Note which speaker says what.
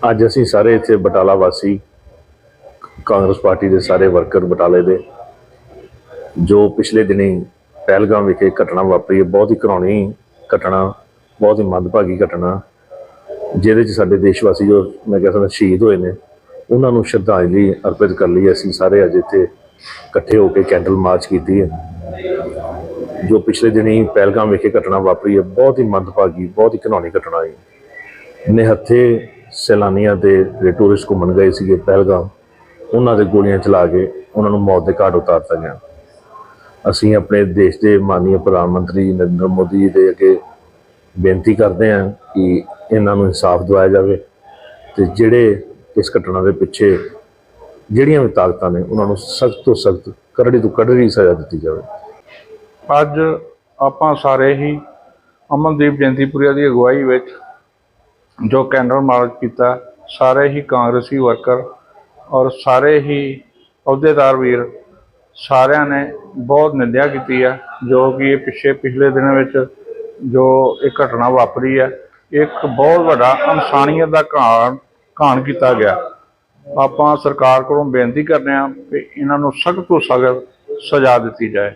Speaker 1: ਅੱਜ ਅਸੀਂ ਸਾਰੇ ਇੱਥੇ ਬਟਾਲਾ ਵਾਸੀ ਕਾਂਗਰਸ ਪਾਰਟੀ ਦੇ ਸਾਰੇ ਵਰਕਰ ਬਟਾਲੇ ਦੇ ਜੋ ਪਿਛਲੇ ਦਿਨੀ ਪਹਿਲਗਾਮ ਵਿਖੇ ਘਟਨਾ ਵਾਪਰੀ ਹੈ, ਬਹੁਤ ਹੀ ਘਿਨਾਉਣੀ ਘਟਨਾ, ਬਹੁਤ ਹੀ ਮੰਦਭਾਗੀ ਘਟਨਾ, ਜਿਹਦੇ 'ਚ ਸਾਡੇ ਦੇਸ਼ ਵਾਸੀ ਜੋ ਮੈਂ ਕਹਿ ਸਕਦਾ ਸ਼ਹੀਦ ਹੋਏ ਨੇ, ਉਹਨਾਂ ਨੂੰ ਸ਼ਰਧਾਂਜਲੀ ਅਰਪਿਤ ਕਰਨ ਲਈ ਅਸੀਂ ਸਾਰੇ ਅੱਜ ਇੱਥੇ ਇਕੱਠੇ ਹੋ ਕੇ ਕੈਂਡਲ ਮਾਰਚ ਕੀਤੀ ਹੈ। ਜੋ ਪਿਛਲੇ ਦਿਨੀ ਪਹਿਲਗਾਮ ਵਿਖੇ ਘਟਨਾ ਵਾਪਰੀ ਹੈ, ਬਹੁਤ ਹੀ ਮੰਦਭਾਗੀ, ਬਹੁਤ ਹੀ ਘਿਨਾਉਣੀ ਘਟਨਾ ਹੈ। ਨਿਹੱਥੇ ਸੈਲਾਨੀਆਂ ਦੇ ਜਿਹੜੇ ਟੂਰਿਸਟ ਘੁੰਮਣ ਗਏ ਸੀਗੇ ਪਹਿਲਗਾਮ, ਉਹਨਾਂ ਦੇ ਗੋਲੀਆਂ ਚਲਾ ਕੇ ਉਹਨਾਂ ਨੂੰ ਮੌਤ ਦੇ ਘਾਟ ਉਤਾਰਤਾ ਗਿਆ। ਅਸੀਂ ਆਪਣੇ ਦੇਸ਼ ਦੇ ਮਾਨਯੋਗ ਪ੍ਰਧਾਨ ਮੰਤਰੀ ਨਰਿੰਦਰ ਮੋਦੀ ਜੀ ਦੇ ਅੱਗੇ ਬੇਨਤੀ ਕਰਦੇ ਹਾਂ ਕਿ ਇਹਨਾਂ ਨੂੰ ਇਨਸਾਫ ਦਿਵਾਇਆ ਜਾਵੇ ਅਤੇ ਜਿਹੜੇ ਇਸ ਘਟਨਾ ਦੇ ਪਿੱਛੇ ਜਿਹੜੀਆਂ ਵੀ ਤਾਕਤਾਂ ਨੇ ਉਹਨਾਂ ਨੂੰ ਸਖਤ ਤੋਂ ਸਖਤ, ਕਰੜੀ ਤੋਂ ਕਰੜੀ ਸਜ਼ਾ ਦਿੱਤੀ ਜਾਵੇ।
Speaker 2: ਅੱਜ ਆਪਾਂ ਸਾਰੇ ਹੀ ਅਮਨਦੀਪ ਜੈਂਤੀਪੁਰੀਆ ਦੀ ਅਗਵਾਈ ਵਿੱਚ ਜੋ ਕੈਂਡਲ ਮਾਰਚ ਕੀਤਾ, ਸਾਰੇ ਹੀ ਕਾਂਗਰਸੀ ਵਰਕਰ ਔਰ ਸਾਰੇ ਹੀ ਅਹੁਦੇਦਾਰ ਵੀਰ ਸਾਰਿਆਂ ਨੇ ਬਹੁਤ ਨਿੰਦਿਆ ਕੀਤੀ ਹੈ। ਜੋ ਕਿ ਇਹ ਪਿਛਲੇ ਦਿਨਾਂ ਵਿੱਚ ਜੋ ਇਹ ਘਟਨਾ ਵਾਪਰੀ ਹੈ, ਇੱਕ ਬਹੁਤ ਵੱਡਾ ਇਨਸਾਨੀਅਤ ਦਾ ਘਾਣ ਕੀਤਾ ਗਿਆ। ਆਪਾਂ ਸਰਕਾਰ ਕੋਲੋਂ ਬੇਨਤੀ ਕਰਦੇ ਹਾਂ ਕਿ ਇਹਨਾਂ ਨੂੰ ਸਖਤ ਤੋਂ ਸਖਤ ਸਜ਼ਾ ਦਿੱਤੀ ਜਾਏ।